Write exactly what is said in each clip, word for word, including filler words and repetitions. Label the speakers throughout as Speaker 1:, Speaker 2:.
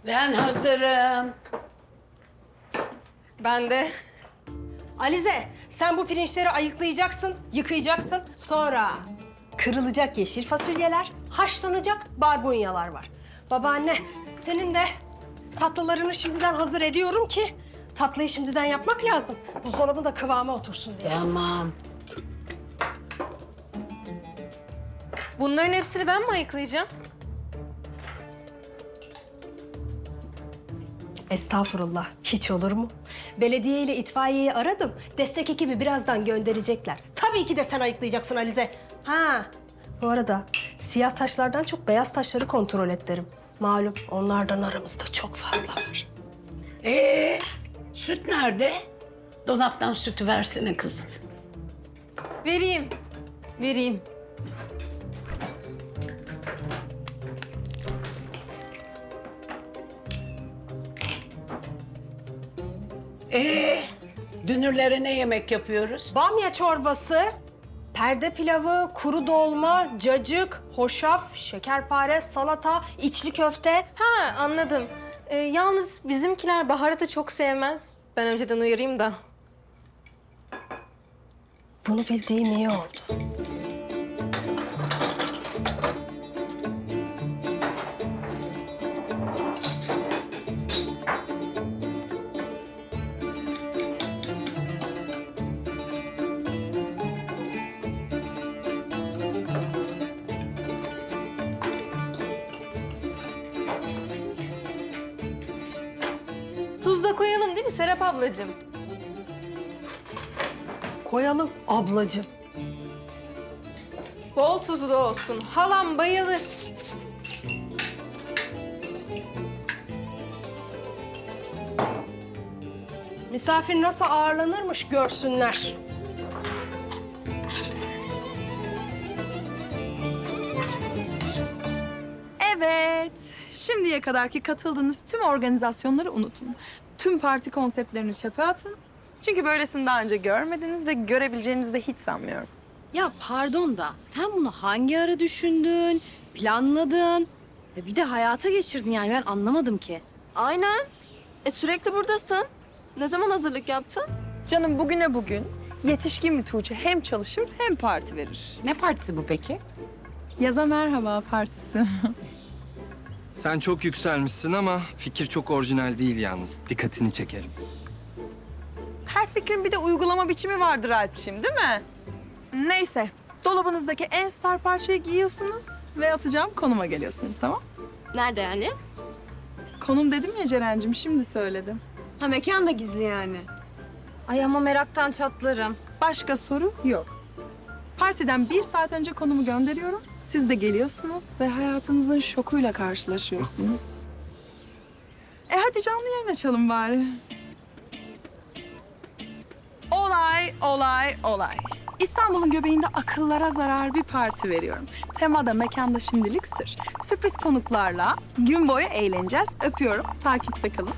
Speaker 1: Ben hazırım.
Speaker 2: Ben de.
Speaker 3: Alize, sen bu pirinçleri ayıklayacaksın, yıkayacaksın. Sonra kırılacak yeşil fasulyeler, haşlanacak barbunyalar var. Babaanne, senin de tatlılarını şimdiden hazır ediyorum ki tatlıyı şimdiden yapmak lazım. Buzdolabı da kıvama otursun diye.
Speaker 1: Tamam.
Speaker 2: Bunların hepsini ben mi ayıklayacağım?
Speaker 3: Estağfurullah, hiç olur mu? Belediye ile itfaiyeyi aradım. Destek ekibi birazdan gönderecekler. Tabii ki de sen ayıklayacaksın Alize. Ha, bu arada siyah taşlardan çok beyaz taşları kontrol et derim. Malum onlardan aramızda çok fazla var.
Speaker 1: Ee, süt nerede? Dolaptan sütü versene kızım.
Speaker 2: Vereyim. Vereyim.
Speaker 1: Ee, dünürlere ne yemek yapıyoruz?
Speaker 3: Bamya çorbası, perde pilavı, kuru dolma, cacık, hoşaf, şekerpare, salata, içli köfte.
Speaker 2: Ha, anladım. Ee, yalnız bizimkiler baharatı çok sevmez. Ben önceden uyarayım da.
Speaker 3: Bunu bildiğim iyi oldu.
Speaker 2: Tuz da koyalım değil mi Serap ablacığım?
Speaker 3: Koyalım ablacığım.
Speaker 2: Bol tuzlu olsun. Halam bayılır.
Speaker 3: Misafir nasıl ağırlanırmış görsünler.
Speaker 4: Evet. Şimdiye kadarki katıldığınız tüm organizasyonları unutun. Tüm parti konseptlerini çöpe atın. Çünkü böylesini daha önce görmediniz ve görebileceğinizi de hiç sanmıyorum.
Speaker 5: Ya pardon da sen bunu hangi ara düşündün, planladın ve bir de hayata geçirdin yani ben anlamadım ki.
Speaker 2: Aynen. E sürekli buradasın. Ne zaman hazırlık yaptın?
Speaker 4: Canım bugüne bugün yetişkin bir Tuğçe hem çalışır hem parti verir.
Speaker 6: Ne partisi bu peki?
Speaker 4: Yaza merhaba partisi.
Speaker 7: Sen çok yükselmişsin ama fikir çok orijinal değil yalnız. Dikkatini çekerim.
Speaker 4: Her fikrin bir de uygulama biçimi vardır Alpçiğim, değil mi? Neyse, dolabınızdaki en star parçayı giyiyorsunuz ve atacağım konuma geliyorsunuz, tamam?
Speaker 2: Nerede yani?
Speaker 4: Konum dedim ya Ceren'cim, şimdi söyledim.
Speaker 8: Ha mekan da gizli yani.
Speaker 5: Ay ama meraktan çatlarım.
Speaker 4: Başka soru yok. Partiden bir saat önce konumu gönderiyorum. Siz de geliyorsunuz ve hayatınızın şokuyla karşılaşıyorsunuz. E hadi canlı yayın açalım bari. Olay, olay, olay. İstanbul'un göbeğinde akıllara zarar bir parti veriyorum. Temada, mekanda şimdilik sır. Sürpriz konuklarla gün boyu eğleneceğiz. Öpüyorum. Takipte kalın.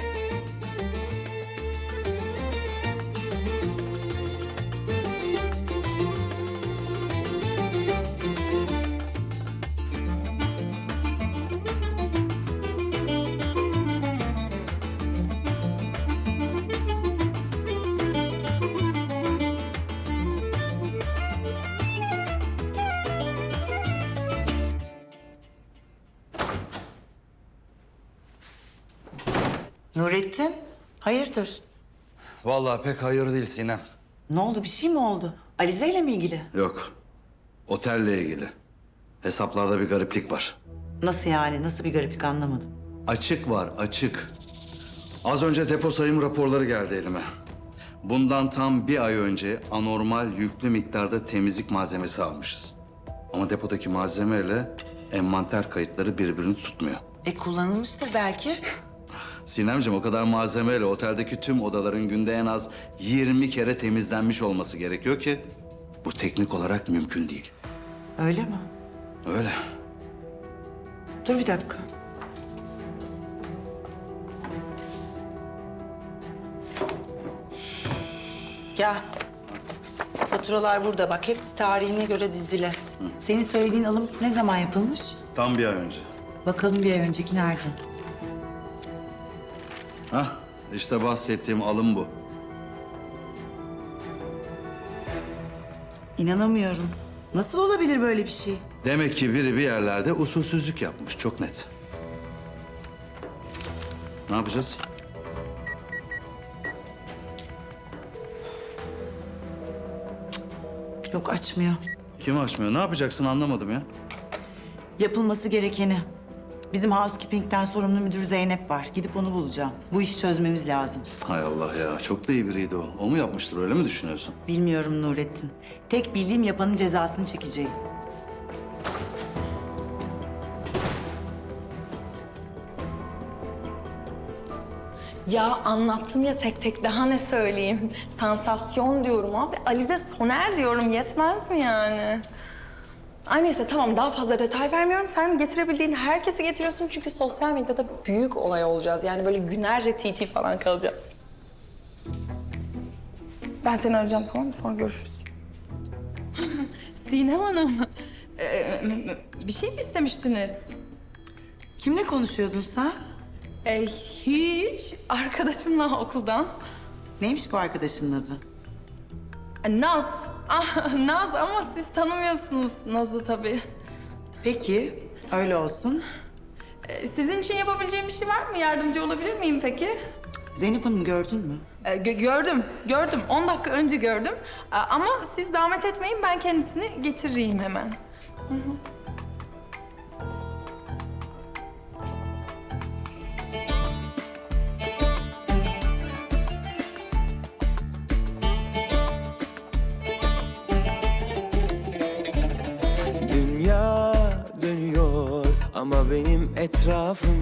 Speaker 9: Nurettin, hayırdır?
Speaker 10: Vallahi pek hayır değil Sinem.
Speaker 9: Ne oldu, bir şey mi oldu? Alize ile mi ilgili?
Speaker 10: Yok. Otelle ilgili. Hesaplarda bir gariplik var.
Speaker 9: Nasıl yani, nasıl bir gariplik anlamadım.
Speaker 10: Açık var, açık. Az önce depo sayım raporları geldi elime. Bundan tam bir ay önce anormal yüklü miktarda temizlik malzemesi almışız. Ama depodaki malzemeyle envanter kayıtları birbirini tutmuyor.
Speaker 9: E kullanılmıştır belki.
Speaker 10: Sinemciğim o kadar malzemeyle oteldeki tüm odaların günde en az yirmi kere temizlenmiş olması gerekiyor ki bu teknik olarak mümkün değil.
Speaker 9: Öyle mi?
Speaker 10: Öyle.
Speaker 9: Dur bir dakika. Gel. Faturalar burada bak. Hepsi tarihine göre dizili. Senin söylediğin alım ne zaman yapılmış?
Speaker 10: Tam bir ay önce.
Speaker 9: Bakalım bir ay önceki nerede?
Speaker 10: Hah, işte bahsettiğim alım bu.
Speaker 9: İnanamıyorum. Nasıl olabilir böyle bir şey?
Speaker 10: Demek ki biri bir yerlerde usulsüzlük yapmış, çok net. Ne yapacağız?
Speaker 9: Yok, açmıyor.
Speaker 10: Kim açmıyor? Ne yapacaksın anlamadım ya.
Speaker 9: Yapılması gerekeni. Bizim housekeeping'den sorumlu müdür Zeynep var. Gidip onu bulacağım. Bu işi çözmemiz lazım.
Speaker 10: Hay Allah ya, çok da iyi biriydi o. O mu yapmıştır, öyle mi düşünüyorsun?
Speaker 9: Bilmiyorum Nurettin. Tek bildiğim yapanın cezasını çekeceğim.
Speaker 6: Ya anlattım ya tek tek, daha ne söyleyeyim? Sansasyon diyorum abi. Alize Soner diyorum, yetmez mi yani? Ay neyse tamam, daha fazla detay vermiyorum. Sen getirebildiğin herkesi getiriyorsun çünkü sosyal medyada büyük olay olacağız. Yani böyle günlerce T T falan kalacağız. Ben seni arayacağım, tamam mı? Sonra görüşürüz. Sinem Hanım, ee, bir şey mi istemiştiniz?
Speaker 9: Kimle konuşuyordun sen?
Speaker 6: Ee, hiç. Arkadaşımla okuldan.
Speaker 9: Neymiş bu arkadaşının adı?
Speaker 6: Naz. Ah, Naz ama siz tanımıyorsunuz Naz'ı tabii.
Speaker 9: Peki, öyle olsun.
Speaker 6: Ee, sizin için yapabileceğim bir şey var mı? Yardımcı olabilir miyim peki?
Speaker 9: Zeynep Hanım'ı gördün mü?
Speaker 6: Ee, gö- gördüm, gördüm. On dakika önce gördüm. Ee, ama siz zahmet etmeyin, ben kendisini getireyim hemen. Hı hı.
Speaker 11: Dünya dönüyor ama benim etrafım